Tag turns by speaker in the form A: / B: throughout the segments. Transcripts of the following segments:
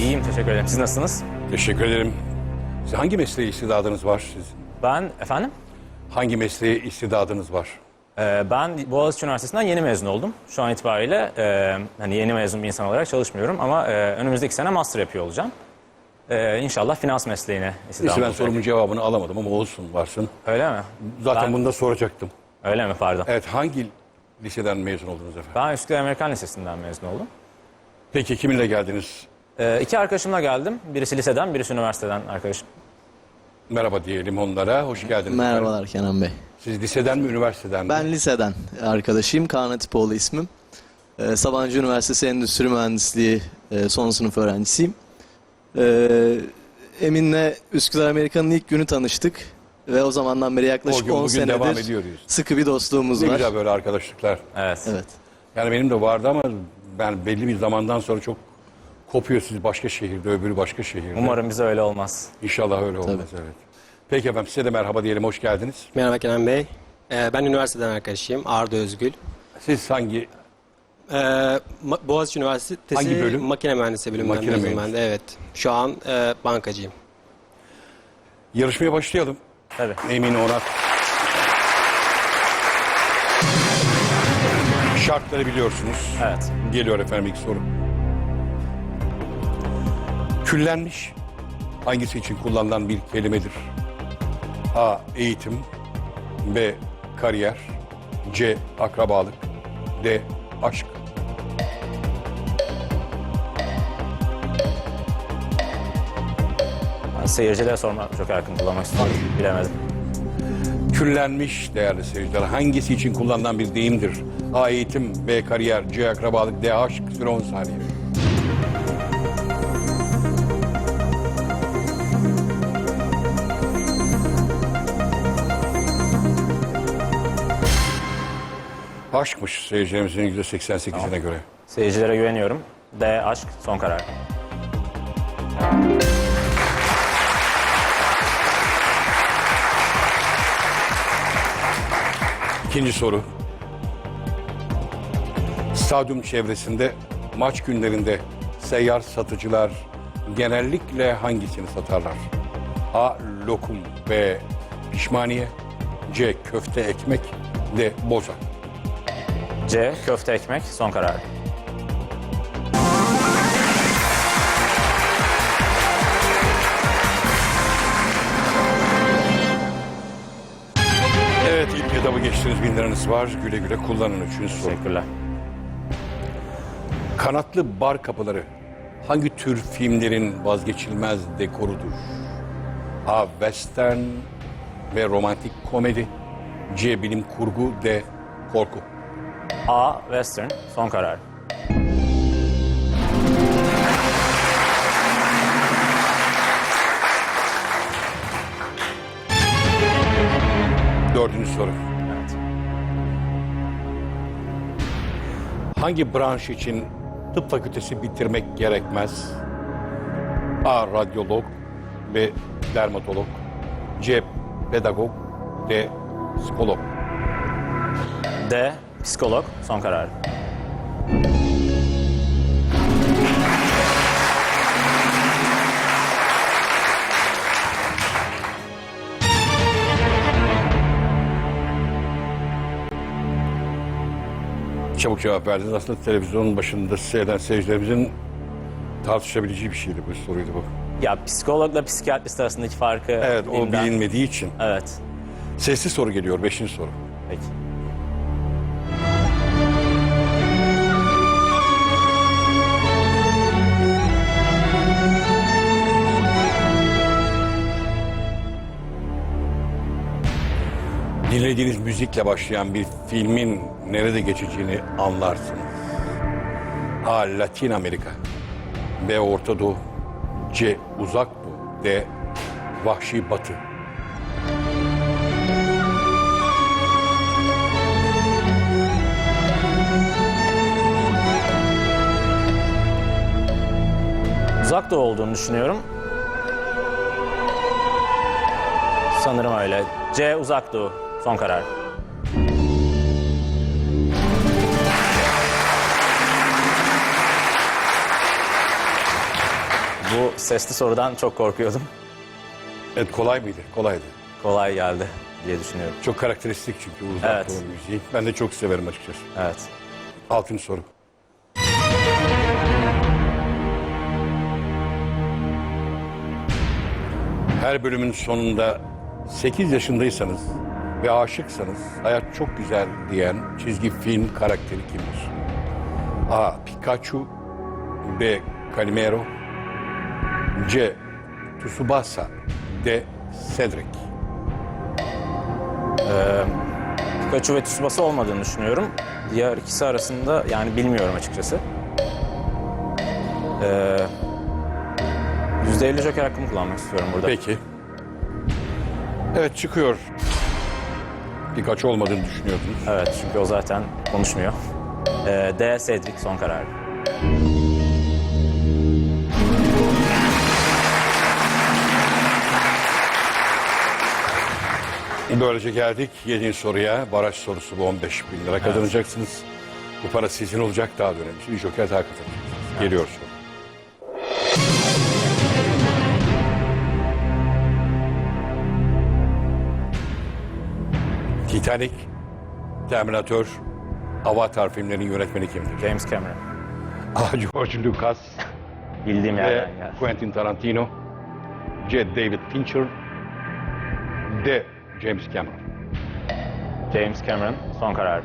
A: İyiyim, teşekkür ederim. Siz nasılsınız?
B: Teşekkür ederim. Hangi mesleğe istidadınız var sizin?
A: Ben, efendim?
B: Hangi mesleğe istidadınız var?
A: Ben Boğaziçi Üniversitesi'nden yeni mezun oldum. Şu an itibariyle hani yeni mezun bir insan olarak çalışmıyorum ama önümüzdeki sene master yapıyor olacağım. İnşallah finans mesleğine istidam
B: Neyse ben
A: olacak.
B: sorumun cevabını alamadım ama olsun varsın.
A: Öyle mi?
B: Zaten bunu da soracaktım.
A: Öyle mi? Pardon.
B: Evet, hangi liseden mezun oldunuz efendim?
A: Ben Üsküdar Amerikan Lisesi'nden mezun oldum.
B: Peki kiminle geldiniz?
A: İki arkadaşımla geldim. Birisi liseden, birisi üniversiteden arkadaşım.
B: Merhaba diyelim onlara. Hoş geldiniz.
C: Merhabalar Kenan Bey.
B: Siz liseden mi, üniversiteden mi?
C: Ben liseden arkadaşıyım. Kaan Atipoğlu ismim. Sabancı Üniversitesi Endüstri Mühendisliği son sınıf öğrencisiyim. Emin'le Üsküdar Amerikan'ın ilk günü tanıştık. Ve o zamandan beri
B: O
C: yaklaşık
B: gün
C: 10
B: bugün devam
C: senedir
B: ediyoruz.
C: sıkı bir dostluğumuz
B: Ne
C: var.
B: güzel böyle arkadaşlıklar.
A: Evet.
C: Evet.
B: Yani benim de vardı ama ben belli bir zamandan sonra çok kopuyor. Siz başka şehirde, öbürü başka şehirde.
A: Umarım bize öyle olmaz.
B: İnşallah öyle olmaz, evet. Peki efendim, size de merhaba diyelim, hoş geldiniz.
D: Merhaba Kenan Bey. Ben üniversiteden arkadaşıyım. Arda Özgül.
B: Siz hangi
D: Boğaziçi Üniversitesi
B: Hangi bölüm?
D: Makine Mühendisliği bölümünden
B: Makine
D: mezunum ben
B: mühendisliği.
D: de. Evet. Şu an bankacıyım.
B: yarışmaya başlayalım?
A: Tabii.
B: Emin Onat. Şartları biliyorsunuz.
A: Evet.
B: Geliyor efendim ilk soru. Küllenmiş hangisi için kullanılan bir kelimedir? A. Eğitim. B. Kariyer. C. Akrabalık. D. Aşk.
A: Ben seyircilere sormak çok yakın kullanmak istiyorum. Bilemedim.
B: Küllenmiş değerli seyirciler hangisi için kullanılan bir deyimdir? A. Eğitim. B. Kariyer. C. Akrabalık. D. Aşk. Süre 10 saniye. Aşkmış seyircilerimizin %88'ine göre.
A: Seyircilere güveniyorum. D. Aşk. Son karar.
B: İkinci soru. Stadyum çevresinde maç günlerinde seyyar satıcılar genellikle hangisini satarlar? A. Lokum. B. Pişmaniye. C. Köfte ekmek. D. Boza.
A: C. Köfte ekmek. Son karar.
B: Evet, ilk etabı geçtiniz, 1000 liranız var. Güle güle kullanın. Üçüncü soru.
A: Teşekkürler.
B: Kanatlı bar kapıları hangi tür filmlerin vazgeçilmez dekorudur? A. Western. B. Romantik komedi. C. Bilim kurgu. D. Korku.
A: A. Western. Son karar.
B: Dördüncü soru.
A: Evet.
B: Hangi branş için tıp fakültesi bitirmek gerekmez? A. Radyolog. B. Dermatolog. C. Pedagog. D. Psikolog.
A: D. Psikolog. Son karar.
B: Çabuk cevap verdiniz. Aslında televizyonun başında seyreden seyircilerimizin tartışabileceği bir şeydi, bu soruydu bu.
A: Ya psikologla psikiyatrist arasındaki farkı
B: Evet, o
A: bilmem.
B: bilinmediği için.
A: Evet.
B: Sesli soru geliyor, 5. soru.
A: Peki.
B: Dinlediğiniz müzikle başlayan bir filmin nerede geçeceğini anlarsınız. A. Latin Amerika. B. Orta Doğu. C. Uzak Doğu. D. Vahşi Batı.
A: Uzak Doğu olduğunu düşünüyorum. Sanırım öyle. C. Uzak Doğu. Son karar. Bu sesli sorudan çok korkuyordum.
B: Evet, kolay mıydı? Kolaydı.
A: Kolay geldi diye düşünüyorum.
B: Çok karakteristik çünkü Uzak
A: Evet.
B: Doğu müziği. Ben de çok severim açıkçası.
A: Evet.
B: 6. soru. Her bölümün sonunda 8 yaşındaysanız ve aşıksanız hayat çok güzel diyen çizgi film karakteri kimdir? A. Pikachu, B. Calimero, C. Tsubasa, D. Cedric.
A: Pikachu ve Tsubasa olmadığını düşünüyorum. Diğer ikisi arasında yani bilmiyorum açıkçası. %50 joker hakkımı kullanmak istiyorum burada.
B: Peki. Evet, çıkıyor. Pikachu olmadığını düşünüyordunuz.
A: Evet, çünkü o zaten konuşmuyor. D. Cedric son karar.
B: Böylece geldik 7. soruya. Baraj sorusu bu, 15 bin lira kazanacaksınız. Bu para sizin olacak, daha da önemlisi bir joker daha kazanacaksınız. Geliyor soru. Titanic, Terminator, Avatar filmlerinin yönetmeni kimdir?
A: James Cameron.
B: A. George Lucas,
A: Bildiğim
B: B.
A: yerden geldi.
B: Quentin Tarantino, C. David Fincher, D. James Cameron.
A: James Cameron son karar.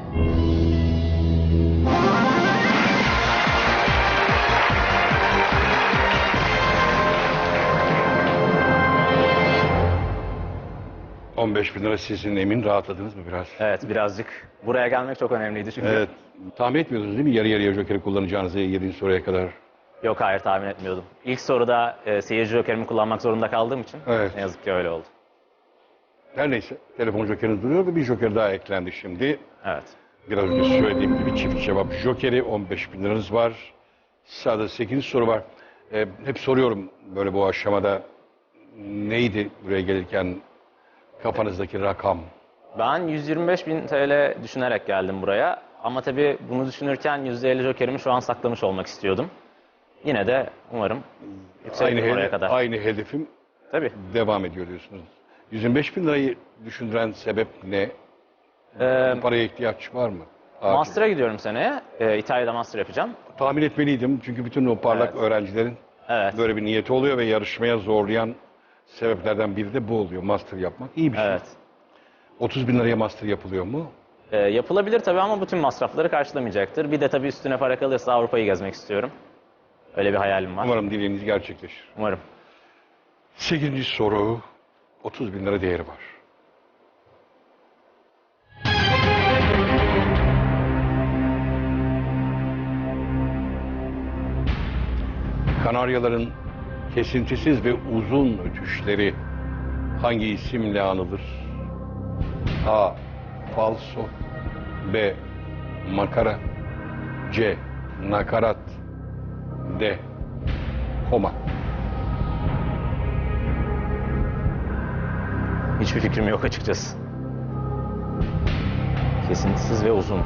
B: ...15 bin lira sizin, Emin. Rahatladınız mı biraz?
A: Evet, birazcık. Buraya gelmek çok önemliydi çünkü.
B: Evet. Tahmin etmiyordunuz değil mi yarı yarıya jokeri kullanacağınızı 7. soruya kadar?
A: Yok, hayır, tahmin etmiyordum. İlk soruda seyirci jokerimi kullanmak zorunda kaldığım için
B: Evet.
A: ne yazık ki öyle oldu.
B: Her neyse, telefon jokeriniz duruyor ve bir joker daha eklendi şimdi.
A: Evet.
B: Biraz önce söylediğim gibi çift cevap jokeri, 15 bin liranız var. Sırada 8. soru var. Hep soruyorum böyle bu aşamada, neydi buraya gelirken kafanızdaki rakam?
A: Ben 125.000 TL düşünerek geldim buraya. Ama tabii bunu düşünürken %50 jokerimi şu an saklamış olmak istiyordum. Yine de umarım yükselirim oraya kadar.
B: Aynı hedefim
A: Tabii.
B: devam ediyor diyorsunuz. 125 bin lirayı düşündüren sebep ne? Paraya ihtiyaç var mı?
A: Master'a gidiyorum seneye. İtalya'da master yapacağım.
B: Tahmin etmeliydim çünkü bütün o parlak
A: Evet.
B: öğrencilerin
A: Evet.
B: böyle bir niyeti oluyor ve yarışmaya zorlayan sebeplerden biri de bu oluyor. Master yapmak iyi bir şey.
A: Evet.
B: 30 bin liraya master yapılıyor mu?
A: Yapılabilir tabii ama bütün masrafları karşılamayacaktır. Bir de tabii üstüne para kalırsa Avrupa'yı gezmek istiyorum. Öyle bir hayalim var.
B: Umarım dileğiniz gerçekleşir.
A: Umarım.
B: 8. soru, 30 bin lira değeri var. Kanaryaların kesintisiz ve uzun ötüşleri hangi isimle anılır? A. Falso, B. Makara, C. Nakarat, D. Koma.
A: Hiçbir fikrim yok açıkçası. Kesintisiz ve uzun.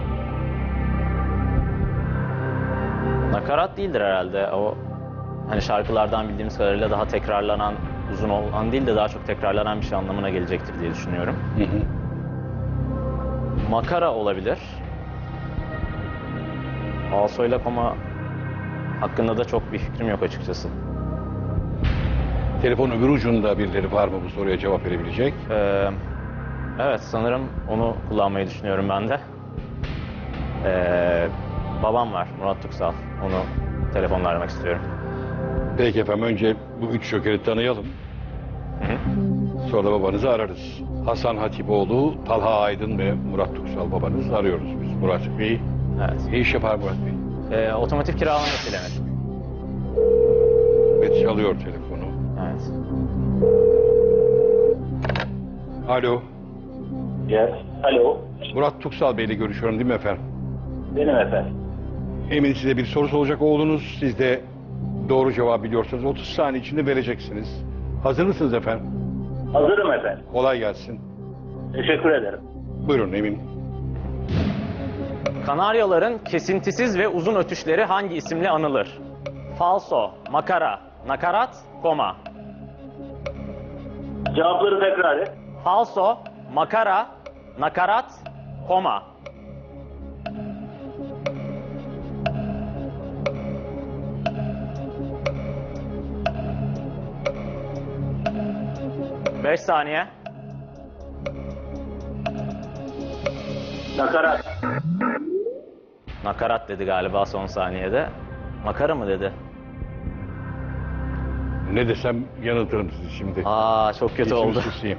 A: Nakarat değildir herhalde. O hani şarkılardan bildiğimiz kadarıyla daha tekrarlanan, uzun olan değil de daha çok tekrarlanan bir şey anlamına gelecektir diye düşünüyorum. Makara olabilir. Falso ile koma hakkında da çok bir fikrim yok açıkçası.
B: Telefon öbür ucunda birileri var mı bu soruya cevap verebilecek?
A: Evet, sanırım onu kullanmayı düşünüyorum ben de. Babam var, Murat Tuksal. Onu telefonla aramak istiyorum.
B: Peki efendim, önce bu 3 jokeri tanıyalım. Sonra da babanızı ararız. Hasan Hatipoğlu, Talha Aydın ve Murat Tuksal babanız, arıyoruz biz Murat Bey'i.
A: Evet.
B: Ne iş yapar Murat Bey?
A: Otomotiv kiralamasıyla meşgul.
B: Ve çalıyor telefonu.
A: Evet.
B: Alo,
E: Yes. Alo.
B: Murat Tuksal Bey'le görüşüyorum değil mi efendim?
E: Benim efendim.
B: Emin, size bir soru soracak oğlunuz. Siz de doğru cevabı biliyorsanız 30 saniye içinde vereceksiniz. Hazır mısınız efendim?
E: Hazırım efendim.
B: Kolay gelsin.
E: Teşekkür ederim.
B: Buyurun Emin.
A: Kanaryaların kesintisiz ve uzun ötüşleri hangi isimle anılır? Falso, makara, nakarat, koma.
E: Cevapları tekrar et.
A: Falso, makara, nakarat, koma. Beş saniye.
E: Nakarat.
A: Nakarat dedi galiba son saniyede. Makara mı dedi?
B: Ne desem yanıltırım sizi şimdi.
A: Aa, çok kötü
B: İçim
A: oldu.
B: susayım.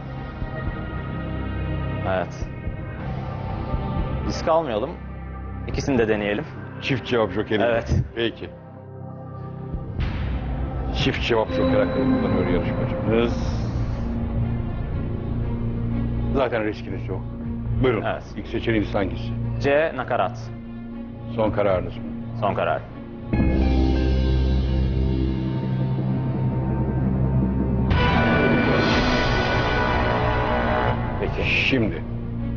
A: Evet. Risk almayalım. İkisini de deneyelim.
B: Çift cevap jokeri.
A: Evet.
B: Peki. Çift cevap joker hakkını kullanıyor yarışmacımız. Zaten riskiniz yok. Buyurun.
A: Evet.
B: İlk seçeneğiniz hangisi?
A: C, nakarat.
B: Son kararınız mı?
A: Son karar. Peki.
B: Şimdi.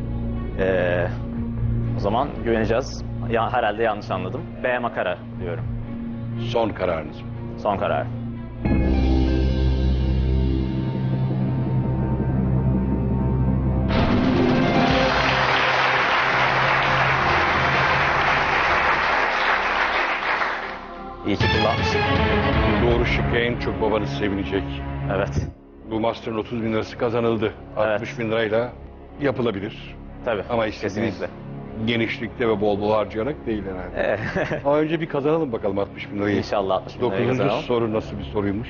A: O zaman güveneceğiz. Ya, herhalde yanlış anladım. B, makara diyorum.
B: Son kararınız mı?
A: Son karar. İyi ki kullanmışım.
B: Doğru şık en çok babanız sevinecek.
A: Evet.
B: Bu master'ın 30 bin lirası kazanıldı.
A: Evet.
B: 60 bin lirayla yapılabilir.
A: Tabii.
B: Ama istediğiniz
A: kesinlikle.
B: genişlikte ve bol bol harcayarak değil herhalde. Ama önce bir kazanalım bakalım 60 bin lirayı.
A: İnşallah 60 bin lirayı
B: 9.
A: kazanalım.
B: soru nasıl bir soruymuş?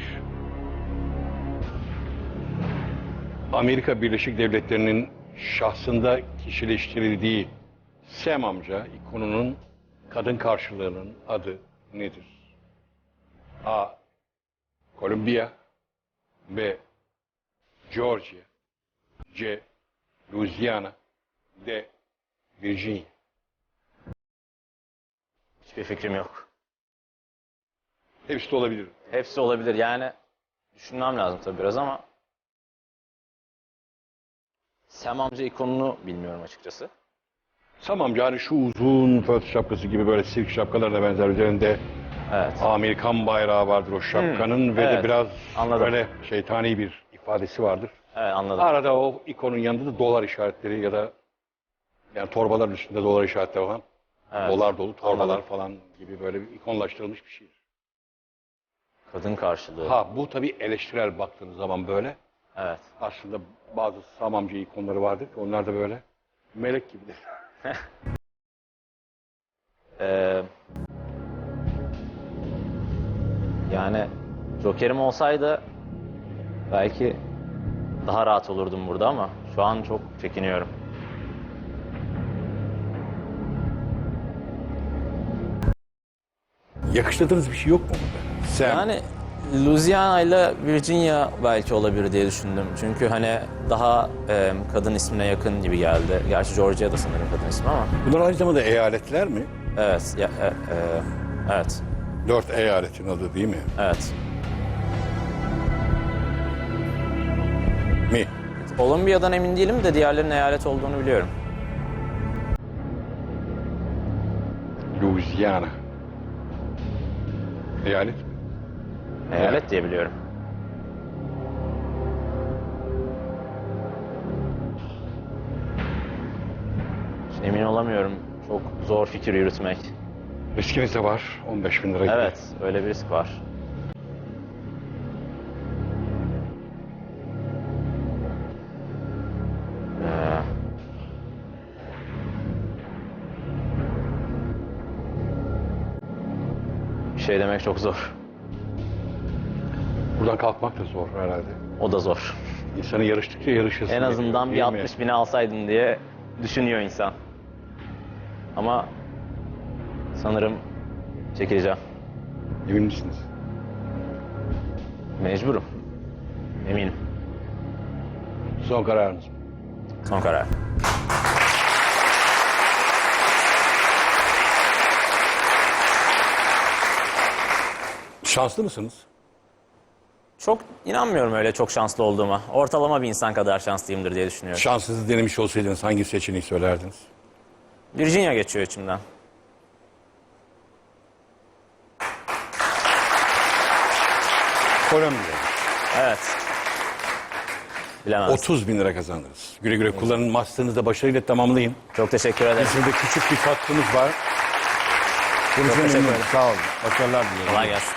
B: Amerika Birleşik Devletleri'nin şahsında kişileştirildiği Sam amca ikonunun kadın karşılığının adı nedir? A. Kolombiya, B. Georgia, C. Louisiana, D. Virginia.
A: Hiçbir fikrim yok.
B: Hepsi de olabilir.
A: Hepsi olabilir. Yani düşünmem lazım tabii biraz ama Sam amca ikonunu bilmiyorum açıkçası.
B: Sam amca hani şu uzun föt şapkası gibi böyle sirk şapkalarına benzer üzerinde
A: Evet.
B: Amerikan bayrağı vardır o şapkanın ve
A: evet.
B: de biraz
A: Anladım.
B: böyle şeytani bir ifadesi vardır.
A: Evet, anladım.
B: Arada o ikonun yanında da dolar işaretleri ya da yani torbaların üstünde dolar işaretleri olan
A: Evet.
B: dolar dolu torbalar
A: Anladım.
B: falan gibi böyle bir ikonlaştırılmış bir şey.
A: Kadın karşılığı.
B: Ha bu tabii eleştirel baktığınız zaman böyle.
A: Evet.
B: Aslında bazı Sam amca ikonları vardır ki onlar da böyle melek gibidir.
A: Yani Joker'im olsaydı belki daha rahat olurdum burada ama şu an çok çekiniyorum.
B: Yakıştırdığınız bir şey yok mu burada? Sam.
A: Yani Louisiana ile Virginia belki olabilir diye düşündüm. Çünkü hani daha kadın ismine yakın gibi geldi. Gerçi Georgia da sanırım kadın ismi ama.
B: Bunlar aynı zamanda eyaletler mi?
A: Evet. Evet.
B: 4 eyaletin adı değil mi?
A: Evet.
B: Mi?
A: Kolombiya'dan emin değilim de diğerlerinin eyalet olduğunu biliyorum.
B: Louisiana. Eyalet mi?
A: Eyalet diye biliyorum. Şimdi emin olamıyorum. Çok zor fikir yürütmek.
B: Riskiniz de var. 15 bin lira gibi.
A: Evet, öyle bir risk var. Ee, Bir şey demek çok zor.
B: Buradan kalkmak da zor herhalde.
A: O da zor.
B: İnsanı yarıştıkça yarışırsın.
A: En azından bir
B: değil mi?
A: 60 bini alsaydın diye düşünüyor insan. Ama sanırım çekileceğim.
B: Emin misiniz?
A: Mecburum. Eminim.
B: Son kararınız mı?
A: Son karar.
B: Şanslı mısınız?
A: Çok inanmıyorum öyle çok şanslı olduğuma. Ortalama bir insan kadar şanslıyımdır diye düşünüyorum.
B: Şansınızı denemiş olsaydınız hangi seçeneği söylerdiniz?
A: Virginia geçiyor içimden.
B: Kolombiya.
A: Evet. Bilemez.
B: 30 bin lira kazandınız. Güle güle kullanın. Master'ınızı da başarıyla tamamlayın.
A: Çok teşekkür ederim.
B: Bizim de küçük bir katkımız var.
A: Çok teşekkür ederim.
B: Sağ olun. Başarılar diliyorum.
A: Kolay gelsin.